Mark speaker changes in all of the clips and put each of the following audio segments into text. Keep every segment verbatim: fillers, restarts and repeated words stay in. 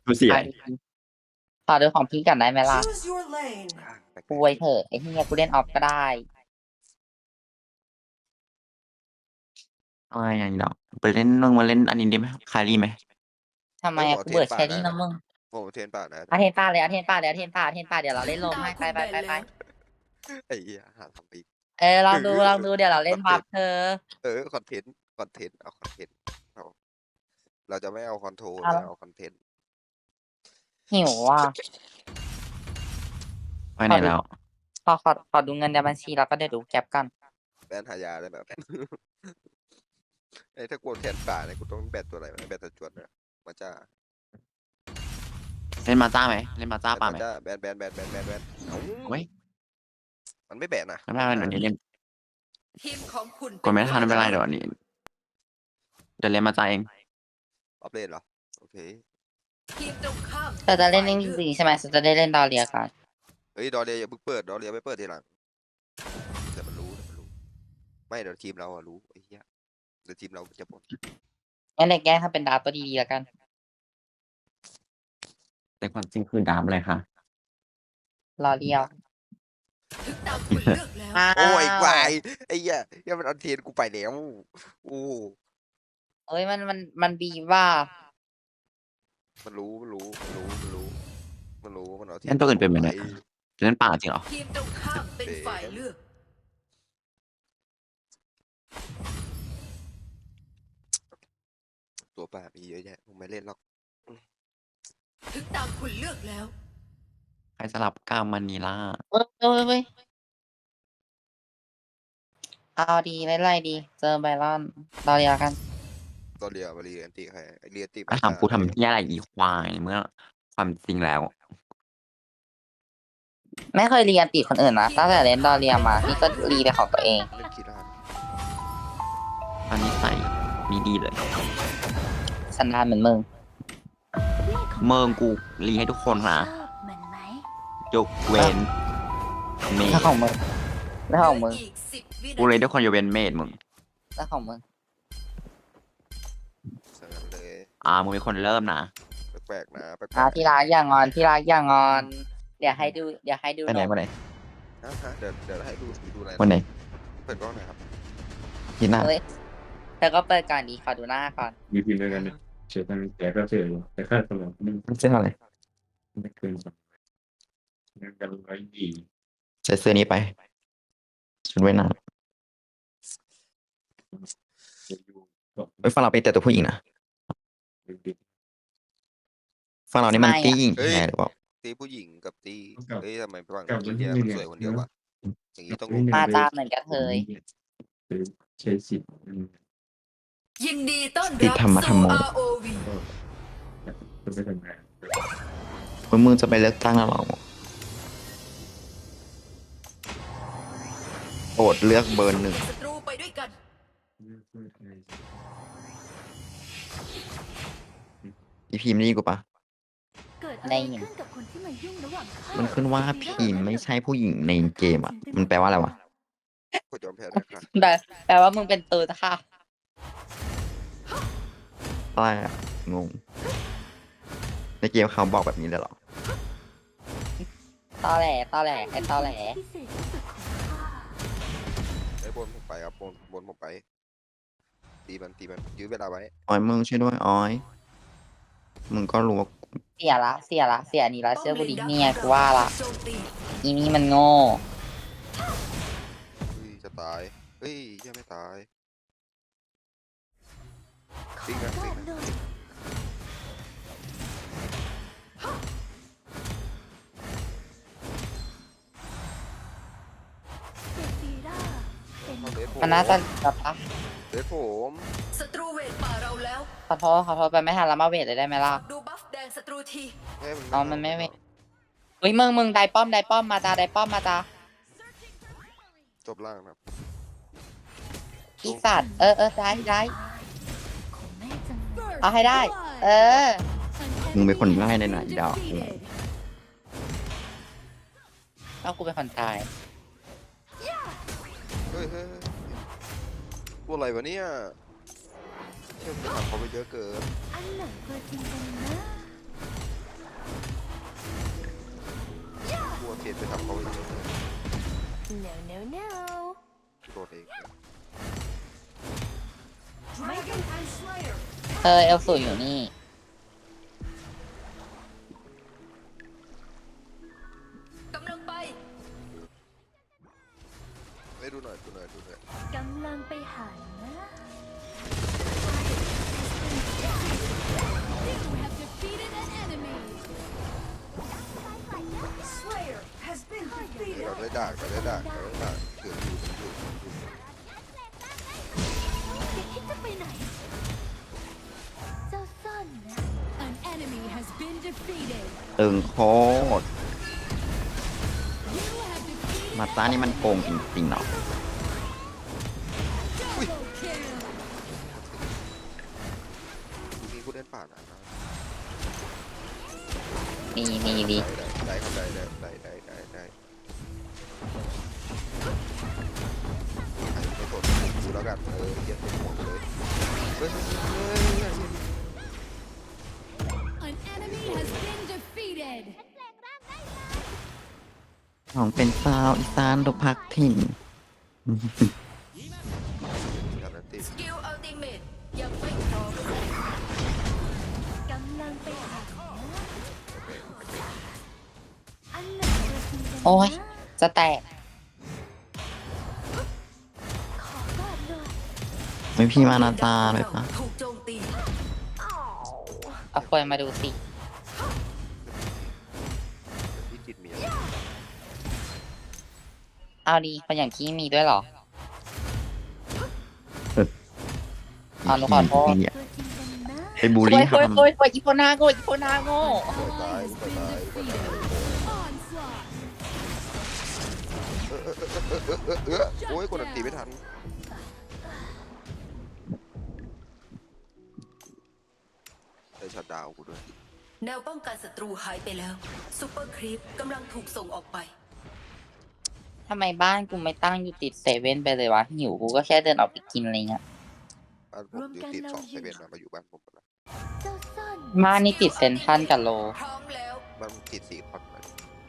Speaker 1: กูเสีย
Speaker 2: ขอดูของพี่กันได้ไหมล่ะ
Speaker 3: Choose your lane.
Speaker 2: ป่วยเถอะไอ้เฮียกูเล่นออฟก็ได้
Speaker 1: อะไรอย่างนี้ดอกไปเล่นลงมาเล่นอันนี้ได้ไหมคารีไหม
Speaker 2: ทำไม
Speaker 4: เฮ้ยผม
Speaker 2: อะ
Speaker 4: เอา
Speaker 2: กู
Speaker 4: เท
Speaker 2: เบื่
Speaker 4: น
Speaker 2: อแช
Speaker 4: ป่านะ
Speaker 2: รี่นะมึง
Speaker 4: ผมเอาเทนป่านะ
Speaker 2: อาเทนป้าเลยอาเทนป้าเลยอาเทนป้าอาเทนป้าเดี๋ยวเราเล่นลมให้ไปไปไปไป
Speaker 4: ไอ้เหี้ยหาทำอีก
Speaker 2: เออลองดูลองดูเดี๋ยวเราเล่นบัฟเธอ
Speaker 4: เออคอนเทนต์คอนเทนต์เอาคอนเทนต์เอาเราจะไม่เอาคอนโทรล
Speaker 2: เอา
Speaker 4: เราเอาคอนเทนต์
Speaker 2: หิวว่ะ
Speaker 1: ไปไหนแล้ว
Speaker 2: ขอขอขอดูเงินในบัญชีแล้วก็เดี๋ยวดูแก็บกัน
Speaker 4: แบนหายาได้แบบ ไอ้ถ้ากดแทนป่าเนี่ยกูต้องแบนตัวอะไรวะแบนตะจวนนะมาจ้า
Speaker 1: เล่นมาจ้าไหมเล่นมาจ้าป่าไหม
Speaker 4: จ้าแบนแบนแบนแบนแบนแบนเอ้า
Speaker 1: เว้ย
Speaker 4: มันไม่แบนนะ
Speaker 1: ไม่เป็นไรเดี๋ยวนี้เล่น
Speaker 3: ทีมของคุณ
Speaker 1: กดไม่ทันไม่เป็นไรเดี๋ยวนี้เดี๋ยวเล่นมาจ้าเอง
Speaker 4: ออฟเลนเหรอโอเค
Speaker 3: ทีมตรงข้าม
Speaker 2: แต่จะเล่นเล่นดีใช่ไหมจะได้เล่นดอเรียกัน
Speaker 4: เฮ้ยดอเรียอย่าเพิ่งเปิดดอเรียไม่เปิดทีหลังเดี๋ยวมันรู้เดี๋ยวมันรู้ไม่เดี๋ยวทีมเราอะรู้ไอ้เหี้ยเดี๋ยวทีมเราจะบ่น
Speaker 2: งั้นเด็กแกล้งถ้าเป็นดาวตัวดีๆแล้วกัน
Speaker 1: แต่ความจริงคือดามเลยค่ะ
Speaker 2: รอเรียว
Speaker 3: ถึงตามคุณเลือกแล้ว
Speaker 4: โอ้ยควายไอ้เหี้ยเหี้ยมันเอาเทนกูไปแล้วโอ้
Speaker 2: เอ้ยมันมันมันบีว่า
Speaker 4: มันรู้มันรู้มันรู้มันรู้มันรู้มันเอาเท
Speaker 1: เล่นตัวอื่นเป็นไหมเนี่ย เล่นป่าจริงเหรอ
Speaker 3: ทีมตรงข้ามเป็นฝ่ายเลือก
Speaker 4: ตัวป่ามีเยอะแยะมึงไม่เล่นหรอก
Speaker 3: ถึงตามคุณเลือกแล้ว
Speaker 1: ใครสลับกามมันนีล่า
Speaker 2: เอ้ยเอ้ยเว้ยเอาดีไล่ไล่ดี เจอไบรอนรอเรียวกัน
Speaker 4: ตัวเรียมาเรียนตีใครเรียนตี
Speaker 1: ถ้าถามกูทำที่อะไรอีควายเมื่อความจริงแล้ว
Speaker 2: ไม่เคยเรียนติดคนอื่นนะตั้งแต่เล่นดอเรียมาพี่ก็รีไปของตัวเอง
Speaker 4: เล่นกีฬา
Speaker 1: ตอนนี้ใส่มีดีเลย
Speaker 2: สันดานเหมือนมึง
Speaker 1: เมิงกูรีให้ทุกคนนะ
Speaker 5: เหมือนไหม
Speaker 1: ยกเว้นเม
Speaker 2: แล้
Speaker 1: ด
Speaker 2: วของมึงแล้วของมึง
Speaker 3: อีกสิบวิ
Speaker 1: กู
Speaker 3: นา
Speaker 1: เลย
Speaker 3: ที
Speaker 1: ทุกคนยกเว้นเมดมึง
Speaker 2: แล้วของมึง
Speaker 4: เสนอเลย
Speaker 1: อ่ามึงเป็นคนเริ่มนะ
Speaker 4: แปลกๆนะแปลก
Speaker 2: อ่าที่รักอย่างงอนที่รักอย่างงอน เดี๋ยวให้ดูเดี๋ยวให้ดู
Speaker 1: ไปไหน
Speaker 2: นม
Speaker 1: วันไหน
Speaker 4: ๆฮะฮะเดี๋ยวเดี๋ยวให้ดูดูอะไร
Speaker 1: วันไหน
Speaker 4: เปิดกล้องหน่อยครับ
Speaker 1: ที่หน้า
Speaker 2: เฮ้ยเธอก็เปิดก่อนดีขอดูหน้าก่อน
Speaker 6: มีพิมพ์ด้วยกันเนี่ยเชื่อตั้งแต่ก็เชื่ออยู่แต่ค่าสมองมัน
Speaker 1: เสื้ออะไร
Speaker 6: ไม่เกินสองเงินกันร้อยยี่
Speaker 1: ใส่เสื้อนี้ไปชุดว่ายน้
Speaker 6: จะอยู่ก็
Speaker 1: ำเฮ้ยฝั่งเราเป็นแต่ตัวผู้หญิงนะ
Speaker 6: ดึก
Speaker 1: ฝั่งเรานี่มันตี้หญิงแน่หรือเปล่า
Speaker 4: ตีผู้หญิงกับตีเอ้ยทำไมฝั่ง
Speaker 6: กับ
Speaker 4: อิ
Speaker 6: วัน
Speaker 4: นเดี
Speaker 6: ที่
Speaker 4: ย
Speaker 6: หนึ่
Speaker 4: มัน
Speaker 6: ง
Speaker 4: สวยคนเดียววะอย่างนี้ต้อง
Speaker 2: มาตามเหมือนกันเธย
Speaker 6: ใช้สิทธิ์
Speaker 3: ยินดีต้อน
Speaker 1: ติด
Speaker 3: รับ
Speaker 1: ธรรมะธรรม
Speaker 3: สู่
Speaker 1: โม
Speaker 3: อาร์ โอ วี
Speaker 6: ก็ไปทำงาน
Speaker 1: มึงมึงจะไปเลือกตั้งแล้วเหรอโปรดเลือกเบอร์หนึ่ง
Speaker 3: ศัตรูไปด้วยกัน
Speaker 1: อีพีมนี่กูปะ
Speaker 5: เกิดอะไรขึ้นกับคนที่มายุ่งระหว่างข้า
Speaker 1: มันขึ้นว่าพีมไม่ใช่ผู้หญิงในเกมอ่ะ มันแปลว่าอะไรวะ
Speaker 4: กดยอมแพ้เลยค่ะ
Speaker 2: แต่แปลว่ามึงเป็นตูดค่ะ
Speaker 1: อะไรอะงง ในเกมเขาบอกแบบนี้เลยเหรอ
Speaker 2: ตอแหลตอแหลไอ้ตอแหล
Speaker 5: พิเศษที่สุดของข้า
Speaker 4: ไอ้บนผมไปครับบนบนผมไปตีมันตีมันยื้อเวลาไว้
Speaker 1: อ้อยมึงช่วยด้วยอ้อย มึงก็รู้ว่า
Speaker 2: เสียละเสียละเสียนี่ละเชื่อกูดิเนี่ยกูว่าละ
Speaker 3: โจมตี
Speaker 2: อีนี่มันโง่
Speaker 4: เฮ้ยจะตายเฮ้ยยังไม่ตายติ๊กนะติ๊กนะ
Speaker 5: เซฟีราเป็น
Speaker 4: เอาเลสผม
Speaker 2: มันน่าจะแบบปะ
Speaker 4: เลสผม
Speaker 3: ศัตรูเวทป่าเราแล้ว
Speaker 2: ขอโทษขอโทษไปไม่ทันแล้วมาเวทเลยได้ไหมล่ะ
Speaker 3: ดูบัฟแดงศัตรูที
Speaker 4: ให้
Speaker 2: อ๋อมันไม่เว้ย เฮ้ยมึงมึงได้ป้อมได้ป้อมมาจ้าได้ป้อมมาจ้า
Speaker 4: จบล่างนะครับ
Speaker 2: อีสัตว์เออเออได้ได้
Speaker 5: ของแม่จังเลย
Speaker 2: เอาให้ได้ เออ
Speaker 1: มึงเป็นคนง่ายในไหนอีดอก
Speaker 2: เอากูเป็นคนตาย
Speaker 4: เฮ้ยเฮ้ยเฮ้ยตัวอะไรวะเนี่ยเชื่อมถามเขาไปเยอะเกิน
Speaker 5: อันไหนตัวจริงกันนะ
Speaker 2: เออเอลสูอยู่นี่
Speaker 3: กำลังไป
Speaker 4: ไปดูหน่อยดูหน่อยดูหน่อย
Speaker 5: กำลังไปหานะ
Speaker 4: เราได้ด่างเราได้ด่างเราได้ด่างเกือบอยู่อยู่อยู่
Speaker 5: แกคิดจะไปไหน เจ้าซ่อนนะ
Speaker 7: An enemy has been defeated.
Speaker 1: ตึงโคตร
Speaker 7: You have defeated
Speaker 1: มาต้านี่มันโกงจริงๆเนาะ
Speaker 7: double kill.
Speaker 4: มีผู้เล่นป่านะ
Speaker 2: นี่นี่ดี
Speaker 4: ได้ได้ครับได้ได้ได้ได้ได้ได้ไม่สนดูแล้วกันเออเย็นเป็นห่วงเลยเฮ้ยเฮ้ยเฮ้ย
Speaker 7: An enemy has been defeated.
Speaker 1: ของเป็นสาวอีสานตกพักถิ่น
Speaker 4: การันตี
Speaker 3: สกิลอัลติเมตยังไม่พร้อม
Speaker 5: กำลังไปหานะอันไหนตัวจริงกันนะ
Speaker 2: โอ้ย จะแตก
Speaker 5: ขอกอดหน่อย
Speaker 1: ไม่พี่มานาตาเลยปะ
Speaker 3: ถูกโจมตี
Speaker 2: เอาควยมาดูสิ
Speaker 4: ที่จิตเมีย
Speaker 2: เอาดีคนอย่างที่มีด้วยเหรอ อ๋อหนูขอโทษ
Speaker 1: พี่
Speaker 5: ตัวจริงกันนะ
Speaker 1: ไปบูล
Speaker 2: โอ้
Speaker 1: ลี่
Speaker 2: ย
Speaker 1: เขา
Speaker 2: โอ้ย
Speaker 1: ทำ
Speaker 2: โอ้ยโอ้ยอีโพนาโง่อีโพนาโง่
Speaker 7: Ally has been defeated. Onslaught.
Speaker 4: เออโอ้ยกดอันตีไม่ทันได้ชัดดาวกูด้วย
Speaker 3: แนวป้องกันศัตรูหายไปแล้วซูเปอร์ครีปกำลังถูกส่งออกไป
Speaker 2: ทำไมบ้านกูไม่ตั้งอยู่ติดเซเว่นไปเลยวะ หิวกูก็แค่เดินออกไปกินอะไรเงี้ย
Speaker 4: บ้านผมอยู่ติดสองเซเว่นมาอยู่บ้านผมแล้ว
Speaker 5: เจ้าซ่อน
Speaker 2: บ้านนี่ติดเซนทรันกับโล
Speaker 3: พร้อมแล้ว
Speaker 4: บ้านผมติดสี่คนเลย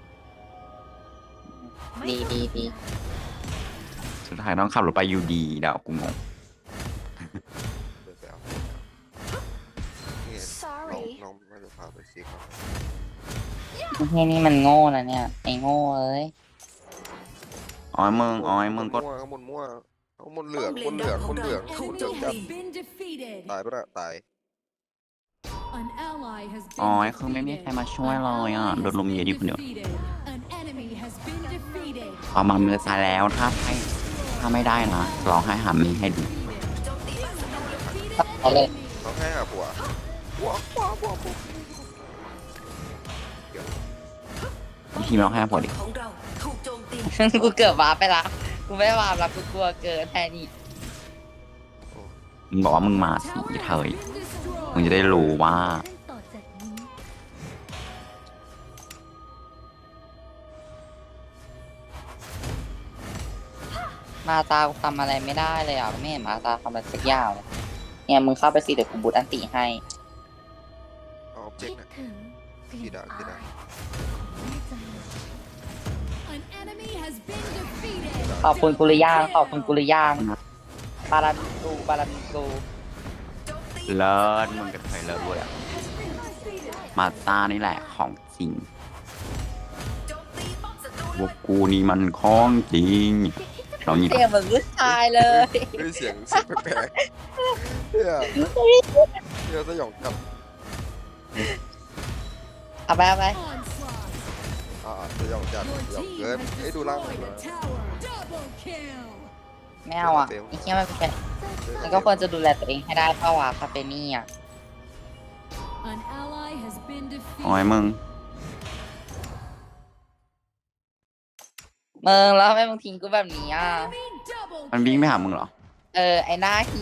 Speaker 2: ดีดีดี
Speaker 1: สุดท้ายต้องขับรถไปยูดีเดากูงง
Speaker 4: เดินไปเอานี่น้องน้องน่าจะพาไปซีครับ
Speaker 2: ไอ้นี่มันโง่นะเนี่ย ไอ้โง่เอ้ย
Speaker 1: อ้อยมึงอ้อยมึงก็
Speaker 4: มั่วข้างบนมั่วข้างบนเหลืองบนเหลืองบนเหลืองถูก
Speaker 7: Enemy
Speaker 4: เจับจับ
Speaker 7: has been defeated.
Speaker 4: ตายปะน่ะตาย
Speaker 7: An ally has
Speaker 1: อ้อย
Speaker 7: been
Speaker 1: คือไม่มีใคร
Speaker 7: defeated.
Speaker 1: มาช่วยเลยอ่ะ โดนลมเยอะดิคนเดียว
Speaker 7: Defeated. An enemy has been defeated.
Speaker 1: เอามามือซ้ายแล้วถ้าให้ถ้าไม่ได้นะร้องให้หามีให้ดู
Speaker 3: โจมตีบ้านศัตรูเลย
Speaker 7: Defeated
Speaker 2: เอาเลย
Speaker 7: enemy.
Speaker 4: ต้องให้หาผัวผัวผัวผัวผัว
Speaker 1: พี่ร้องให้พอดิ
Speaker 3: ของเราถูกโจมตี
Speaker 2: กูเกือบวาร์ปไปละ กูไม่วาร์ปละกูกลัวเกินแค่นี้
Speaker 1: มึงบอกว่ามึงมาสิ
Speaker 7: Tower
Speaker 1: เถย
Speaker 7: has been destroyed.
Speaker 1: มึงจะได้รู้ว่า
Speaker 5: ขั้นต่อจากนี้
Speaker 2: มาตากูทำอะไรไม่ได้เลยอ่ะไม่เห็นมาตาทำอะไรสักอย่างเลยเนี่ยมึงเข้าไปสิเดี๋ยวกูบูทอันติให้
Speaker 4: เอาเจ๊
Speaker 5: คิ
Speaker 4: ก
Speaker 5: ด
Speaker 4: นะ
Speaker 5: ถึงกลิ่น
Speaker 4: ที่ด่าที่
Speaker 5: อา
Speaker 4: ด่า
Speaker 5: ยแม่จังเลย
Speaker 7: An enemy has been defeated.
Speaker 2: ขอบคุณกุลย่างขอบคุณกุลย่างบารามิกูบารามิกู
Speaker 3: โจมตี
Speaker 1: เลิศมึงกับเถยเลิศด้วยอะมาตานี่แหละของจริง
Speaker 3: โจมตีป้อมศัตรู
Speaker 1: พ
Speaker 3: เล
Speaker 1: วย กกูนี่มันของจริงเรานี่
Speaker 2: เสียงเหมือนผู้ชายเลย
Speaker 4: เฮ้ยเสียงเสียงแปลกๆเนี่ยเนี่ยสยองกับ
Speaker 2: เอาไปเอาไป
Speaker 7: Onslaught.
Speaker 4: อ่าสยองจัด
Speaker 7: Your
Speaker 4: สยอง
Speaker 7: team
Speaker 4: เกิน
Speaker 7: has
Speaker 4: ไอ้ยดูล่าง
Speaker 7: destroyed
Speaker 4: เล
Speaker 7: a
Speaker 4: ย
Speaker 7: tower. Double kill.
Speaker 2: ไม่เอาอ่ะไอ้เหี้ยมันเป็นมันก็ควรจะดูแลตัวเองให้ได้เพราะว่าคาเฟนี่อ่ะ
Speaker 7: An ally has been defeated.
Speaker 1: อ้อยมึง
Speaker 2: มึงแล้วทำไมมึงทิ้งกูแบบนี้อ่ะ
Speaker 7: Enemy double
Speaker 1: มันวิ่งไปหามึงเหรอ
Speaker 2: เออ ไอ้หน้าหี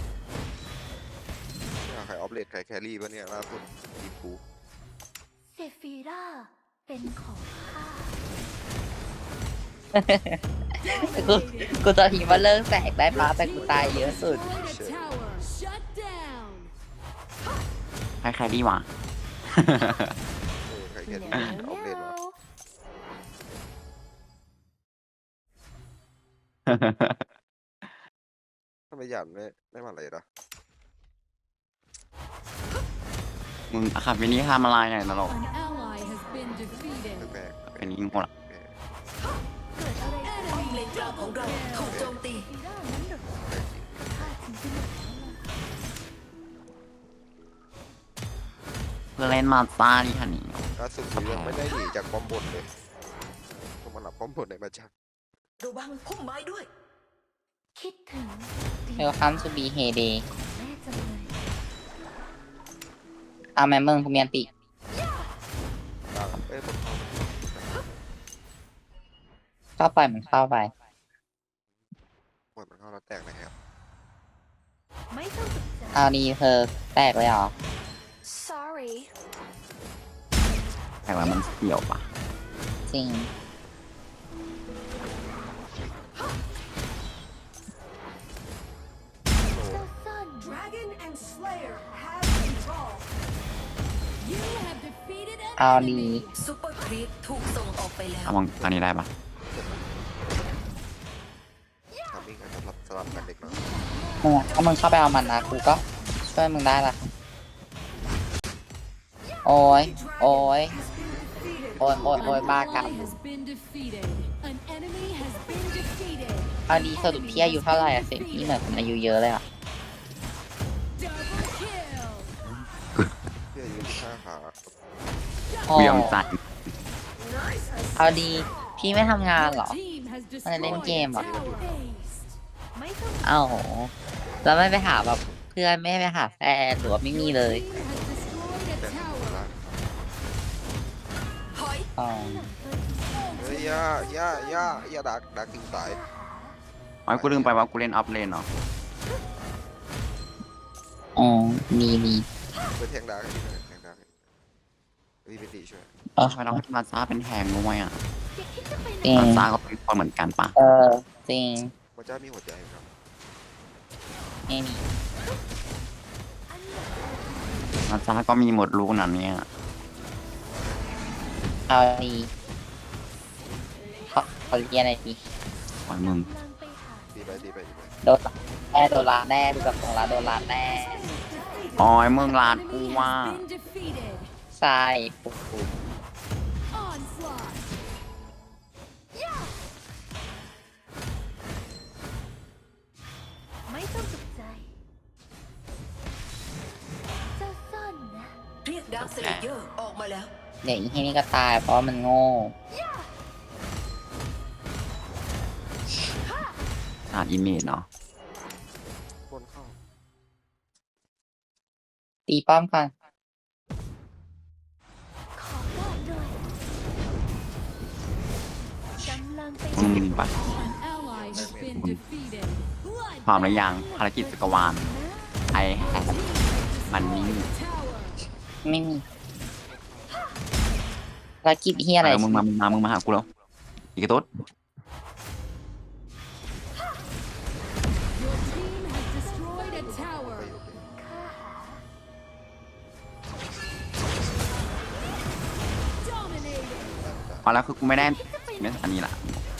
Speaker 4: ใครออฟเลดใครแครี่ปะเนี่ยล่าสุดทีมกู
Speaker 5: เซฟีราเป็นของข้า
Speaker 2: กูกูจะทิ้งว่าเลิกแสกได้ปะแต่กูตายเยอะสุด
Speaker 7: Destroyed a tower. Shut down.
Speaker 1: ใครใครดีวะ
Speaker 4: เออใครแครี่
Speaker 5: แนว
Speaker 4: ออฟเลด
Speaker 5: แน
Speaker 4: วะ
Speaker 5: ว
Speaker 4: ทำไมหยันไม่ไม่มาเลยนะ
Speaker 8: มึงอะค่ะวันนี้ทำอะไรเนี่ยตลก
Speaker 7: An ally has been defeated.
Speaker 4: แปลก
Speaker 8: เป็นยิงหมดอะ
Speaker 4: ๆแปลก
Speaker 5: เกิดอะไรขึ้น
Speaker 3: ป้อมเลนกลางของเราถูกโจมตี
Speaker 5: ซีร่างั้นเหรอข้าถึงจะหมดแล้วล่ะ
Speaker 8: เพื่อเล่นมาซ่าดิค่ะนี่
Speaker 4: ล่าสุดกูยังไม่ได้หนีจากป้อมบนเลยต้องมาหลับป้อมบนในมาจัง
Speaker 3: ระวังพุ่มไม้ด้วย
Speaker 5: คิดถึง
Speaker 2: เฮลคัมทูบีเฮเดย์
Speaker 5: แม่จังเลย
Speaker 2: เอาแม่มึงกูเมียนติ
Speaker 4: กลางเอ้ยบนเข้า
Speaker 2: ก็ปล่อยมันเข้าไป
Speaker 4: บนมันเข้าแล้วแตกนะครับ
Speaker 5: ไม่ต้องสนใจ
Speaker 2: เอาดีเธอแตกเลยเหรอ
Speaker 5: sorry
Speaker 8: แต่ว่ามันเกี่ยวปะ
Speaker 2: จริง
Speaker 5: เจ้าซ่อน
Speaker 3: Dragon and Slayer have evolved
Speaker 7: You have defeated an
Speaker 2: เอาดี
Speaker 7: enemy.
Speaker 3: ซูเปอร์ครีปถูกส่งออกไปแล้ว
Speaker 8: เอามองตอนนี้ได้ปะ
Speaker 4: ทำมิ่งกันสลับสลับกันเด็กน้อย
Speaker 2: มึงอะถ้ามึงเข้าไปเอามันนะกูก็ช่วยมึงได้ละโอ้ยโอ้ยโอ้ยโอ้ย
Speaker 7: An
Speaker 2: โอ้ยบ้ากรรม
Speaker 7: ally has been defeated. An enemy has been defeated.
Speaker 2: เอาดีสรุปพี่อายุเท่าไหร่อะเสียงพี่เหมือนคนอายุเยอะเลยอะ
Speaker 7: Double kill.
Speaker 4: เพื่อยืนข้าขา
Speaker 2: โอ้
Speaker 8: กูยอมใจ
Speaker 2: เอาดีพี่ไม่ทำงานเหรอ
Speaker 7: Team has
Speaker 2: มันเล่น
Speaker 7: destroyed
Speaker 2: เกม
Speaker 7: a
Speaker 2: เหรอ
Speaker 7: tower.
Speaker 5: ไม่ต้อง
Speaker 2: เอ้าแล้วไม่ไปหาแบบเพื่อนไม่ไปหาแฟนหรือว่าไม่มีเลย
Speaker 7: Team has destroyed a
Speaker 4: แต่
Speaker 7: tower.
Speaker 4: ละ
Speaker 3: ถอย
Speaker 2: อ๋อ
Speaker 4: เฮ้ยย่าย่าย่าย่าดักดักถึงตาย
Speaker 8: ไอ้ยกูลืมไปว่ากูเล่นอัพเลนเนาะ
Speaker 2: อ๋อมีมี
Speaker 4: ไปแทงดักให้ดีหน่อยแทงดักให้เฮ้ยเป็นดีช่วย
Speaker 2: เออ
Speaker 8: ทำไมต้องให้มาซ่าเป็นแทงด้วยอ่ะ
Speaker 5: อย่าคิดจะไปไหน
Speaker 2: จริง
Speaker 8: มาซ่าก็เป็นคนเหมือนกันปะ
Speaker 2: เออจริง
Speaker 4: มันจะมีหัวใจครับ
Speaker 2: ไม่มี
Speaker 8: มาซ่าก็มีหมดลูกนั้นเนี่ย
Speaker 2: เอาดีเขาเขาเรียนอะไรดี
Speaker 8: ปล่อยมึง
Speaker 5: กำลังไปหา
Speaker 4: ดีไปดีไปดีไป
Speaker 2: โดนแน่โดนลาแน่ดูกับตรงลาโดนลาแน่
Speaker 8: อ๋อยมึงลาด
Speaker 7: Enemy
Speaker 8: กู
Speaker 7: has
Speaker 8: ว่า
Speaker 7: been defeated.
Speaker 2: ใช่ปุ๊บปุ๊บ
Speaker 7: Onslaught.
Speaker 5: ไม่ต้องตกใจ เจ้าซ่อนนะ
Speaker 3: เรียกดาร์คเซเลเยอร์ออกมาแล้ว
Speaker 2: เดี๋ยวอีที่นี่ก็ตายเพราะว่ามันโง่
Speaker 8: ขาดอิมเมจเนาะ
Speaker 4: บนเข้า
Speaker 2: ตีป้อมก่อน
Speaker 5: ขอได้ด้วยกำลังไป
Speaker 8: มึงปะ
Speaker 7: An ally has been defeated.
Speaker 8: พร้อมหรือยังภารกิจจักรวาลไอแฮปมันนี่
Speaker 7: Tower.
Speaker 2: ไม่มีภารกิจที่อะไร
Speaker 8: เออมึงมามึงมามึงมาหากูแล้วอีกตุ๊ด
Speaker 7: Your team has destroyed a tower.
Speaker 5: ข้า
Speaker 7: Dominated.
Speaker 8: พอแล้วคือกูไม่ได้ไม่อันนี้ละ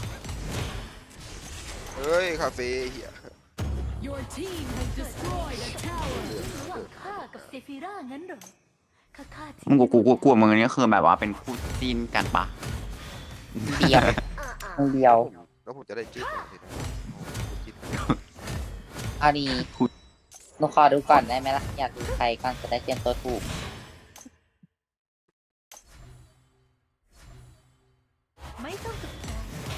Speaker 4: เฮ้ยคาเฟ่เหี้ย
Speaker 7: Your team has destroyed a tower.
Speaker 5: ระหว่างข้ากับเซฟิร่างั้นเหรอข้าข้าทิ้
Speaker 8: มึงกูกูกูกลัวมึงอันนี้คือแบบว่าเป็นคู่จิ้นกันปะ
Speaker 2: เดียว
Speaker 5: อ่าอ่า
Speaker 2: มึงเดียว
Speaker 4: แล้วผมจะได้จิ้นอะไรนะโอ้โหจิ้น
Speaker 2: เอาดีหนูขอดูก่อนได้ไหมล่ะ อยากดูใครก่อนจะได้เตรียมตัวถูก
Speaker 5: ไม่ต้องตกใจ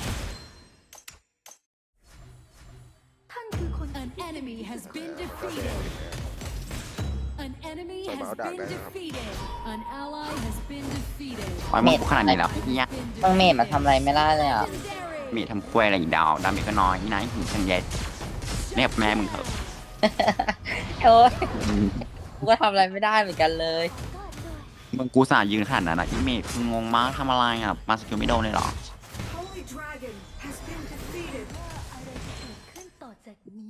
Speaker 5: ท่านคือคน
Speaker 7: An enemy has been
Speaker 4: ก็แด
Speaker 7: defeated.
Speaker 4: ง
Speaker 7: An enemy
Speaker 4: Sorry,
Speaker 7: has
Speaker 4: I'll die
Speaker 7: been
Speaker 4: there.
Speaker 7: defeated. An ally has been defeated.
Speaker 8: ปล่อยมึงกูขนาดนี้แล้วเนี่ย
Speaker 2: มึงเมดมาทำอะไรไม่ได้เลยอ่ะ
Speaker 8: เมีทำควยอะไรอีกดาวดาเมจก็น้อยนี่นะหินชันเย็ดเรียกแม่มึงเถอะ
Speaker 2: โอ้ยกูก็ทำอะไรไม่ได้เหมือนกันเลย
Speaker 5: ก็ด้วย
Speaker 8: มึงกูสายืนขนาดนั้นนะอีเมจคืองงมากทำอะไรอ่ะมาสกิลไม่โดนเลยเหรอ
Speaker 3: Holy Dragon has been defeated
Speaker 5: ว่าอะไรจะเกิดขึ้นต่อจากนี้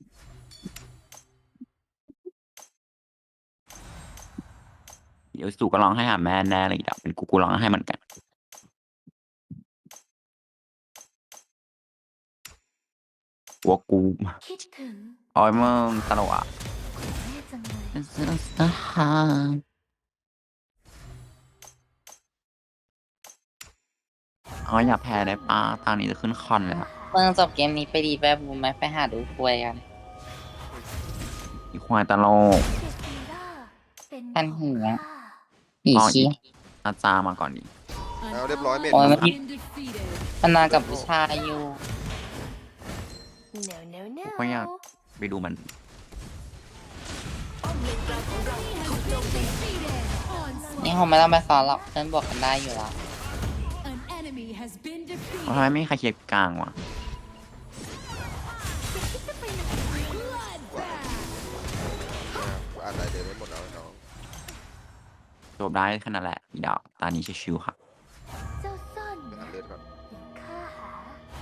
Speaker 8: เดี๋ยวสู่ก็ร้องให้หาแม่แน่เลยอีกดาวเป็นกูกูร้องให้เหมือนกันหัวกู
Speaker 5: คิดถึง
Speaker 8: โอ้ยมึงตลกอ่ะ
Speaker 5: แม่จังเลย
Speaker 8: เป็นเสื้อสหายอ๋ออย่าแพ้ได้ป้าตอนนี้จะขึ้นคอนแล้ว
Speaker 2: เมื่อจบเกมนี้ไปดีแบบบูมไหมไปหาดูคุยกัน
Speaker 8: อีควายตลก
Speaker 5: เดฟีล่าเป็น
Speaker 2: ท่าน
Speaker 5: ของ
Speaker 2: หิว
Speaker 5: ข้า
Speaker 2: ผี
Speaker 8: อ๋อ
Speaker 2: ชี้
Speaker 8: อาจารย์มาก่อนดิ
Speaker 7: An
Speaker 4: Nào, đẹp lói
Speaker 7: ally
Speaker 4: mệt.
Speaker 2: Ôi,
Speaker 7: has
Speaker 2: mà-
Speaker 7: been defeated.
Speaker 2: มันมากับผู้ชายอยู่
Speaker 5: no no no
Speaker 8: ก็อยากไปดูมัน
Speaker 3: ป้อมเลนกลางของเราถูกโจมตี
Speaker 7: Defeated.
Speaker 2: นี่
Speaker 7: Onslaught.
Speaker 2: คงไม่ต้องไปสอนหรอกเพื่อนบวกกันได้อยู่แล้ว
Speaker 7: An enemy has been
Speaker 8: เพราะทำไม
Speaker 7: defeated.
Speaker 8: ไม่มีใครเคลียร์กลางวะ
Speaker 7: Bloodbath.
Speaker 4: อ่านได้เดี๋ยวได้หมดแล้วน้อง
Speaker 8: จบได้แค่นั้นแหละอีดอกตอนนี้ชิวๆค่ะ
Speaker 5: เจ้าซ่อน
Speaker 4: ไป
Speaker 5: นะ
Speaker 4: อ่านเลือดก่อน
Speaker 5: ข้าหา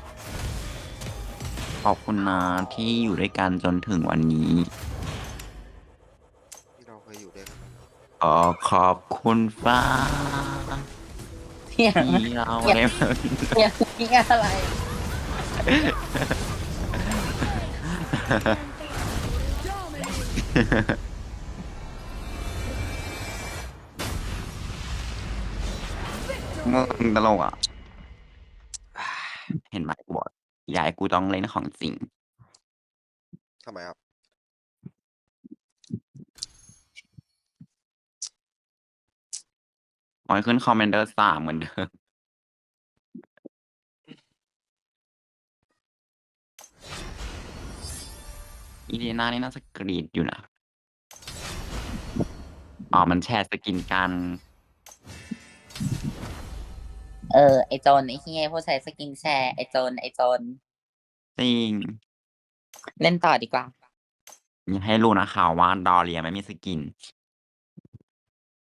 Speaker 8: ขอบคุณนะที่อยู่ด้วยกันจนถึงวันนี้
Speaker 4: ที่เราเคยอยู่ด้วยกันนะ
Speaker 8: ขอขอบคุณฟ้า
Speaker 2: เที่ยง
Speaker 8: ที่เราได้มา
Speaker 2: เที่ยงนี่อะไร
Speaker 7: Dominating.
Speaker 8: มึงตลกอ่ะ เห็นไหมกูบอกอยากให้กูต้องเล่นของจริง
Speaker 4: ทำไมครับ
Speaker 8: ขอให้ขึ้นคอมเมนเดอร์สามเหมือนเดิม อีเดียนานี่น่าจะกรีดอยู่นะ อ๋อ มันแชร์สกินกัน
Speaker 2: เออ ไอโจนไอเฮียผู้ใช้สกินแชร์ ไอโจนไอโจน
Speaker 8: จริง
Speaker 2: เล่นต่อดีกว่า
Speaker 8: อยากให้รู้นะข่าวว่าดอเรียไม่มีสกิน